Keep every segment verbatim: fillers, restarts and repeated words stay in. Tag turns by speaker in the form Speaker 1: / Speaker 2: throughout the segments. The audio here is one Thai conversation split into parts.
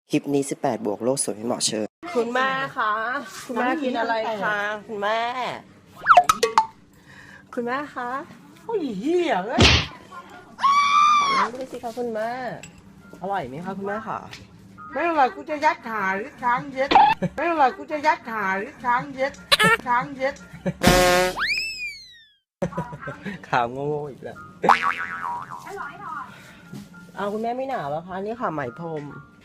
Speaker 1: คลิปนี้สิบแปดบวกโลกสวยไม่เหมาะเชิญคุณแม่คะคุณแม่กินอะไรคะคุณแม่คุณแม่คะ
Speaker 2: โอ้ยเหี้ยเอ้ย
Speaker 1: ขอน้ำด้วยสิคะคุณแม่อร่อยไหมคะคุณแม่ค่ะ
Speaker 2: ไม่เป็นไรกูจะยัดขาหรือช้างเย็ดไม่เป็นไรกูจะยัดขาหรือช้างเย็ดช้างเย็ด
Speaker 1: ขาวโง่ๆอีกแล้วเอาคุณแม่ไม่หนาวแล้วคะนี่ค่ะไหมพรม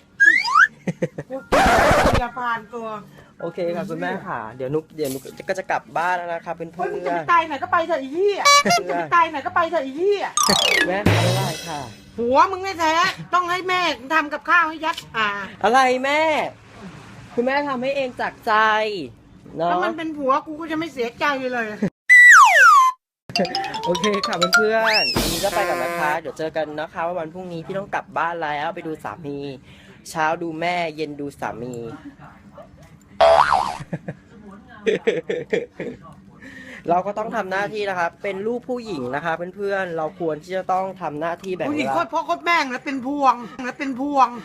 Speaker 2: จะผ่านตัว
Speaker 1: โอเคค่ะคุณแม่ค่ะเดี๋ยวนุกเดี๋ยวนุกก็จะกลับบ้านแล้วนะคะเพื่อน
Speaker 2: เฮ้ยมึง
Speaker 1: เพื่
Speaker 2: จะ
Speaker 1: อ
Speaker 2: ไป
Speaker 1: น
Speaker 2: ตายไหนก็ไปเถอะไอ้เหี้ยจะไปตายไหนก็ไปเถอะไอ้เหี้ย
Speaker 1: แม่ค่ะไม่ได้ค่ะ
Speaker 2: หัวมึงแท้ๆต้องให้แม่ทำกับข้าวให้ยัดขา
Speaker 1: อะไรแม่ คุณแม่ทำให้เองจากใจเนาะ
Speaker 2: ถ้ามันเป็นผัวกูก็จะไม่เสียใจเลย
Speaker 1: โอเคค่ะเพื่อนๆวันนี้ก็ไปก่อนนะคะเดี๋ยวเจอกันนะคะว่าวันพรุ่งนี้พี่ต้องกลับบ้านแล้วไปดูสามี เช้าดูแม่เย็นดูสามี เราก็ต้องทำหน้าที่นะคะเป็นลูกผู้หญิงนะคะเพื่อนๆเราควรที่จะต้องทำหน้าที่แบ่ง
Speaker 2: ผู้ห
Speaker 1: เว
Speaker 2: ญิง
Speaker 1: ลา
Speaker 2: โคตรพ่อโคตรแม่งแล้วเป็นพวงแล้วเป็นพวง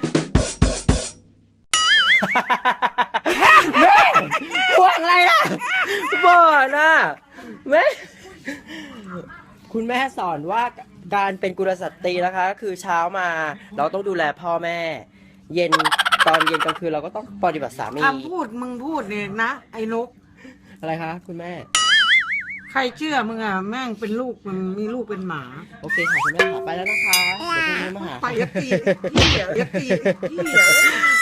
Speaker 1: แม่พวกอะไรล่ะบ่นน่ะแม่คุณแม่สอนว่าการเป็นกุลสตรีนะคะ คือเช้ามาเราต้องดูแลพ่อแม่ เย็นตอนเย็นกลางคืนเราก็ต้องปฏิบัติสามี
Speaker 2: คำพูดมึงพูดเนี่ยนะไอ้นก
Speaker 1: อะไรคะคุณแม่
Speaker 2: ใครเชื่อมึงอ่ะแม่งเป็นลูกมึงมีลูกเป็นหมา
Speaker 1: โอเคค่ะคุณแม่ค่ะไปแล้วนะคะเดี๋ยวพรุ่งนี้มาหา
Speaker 2: ไปยัดตีเหี้ยยัดตีเหี้ย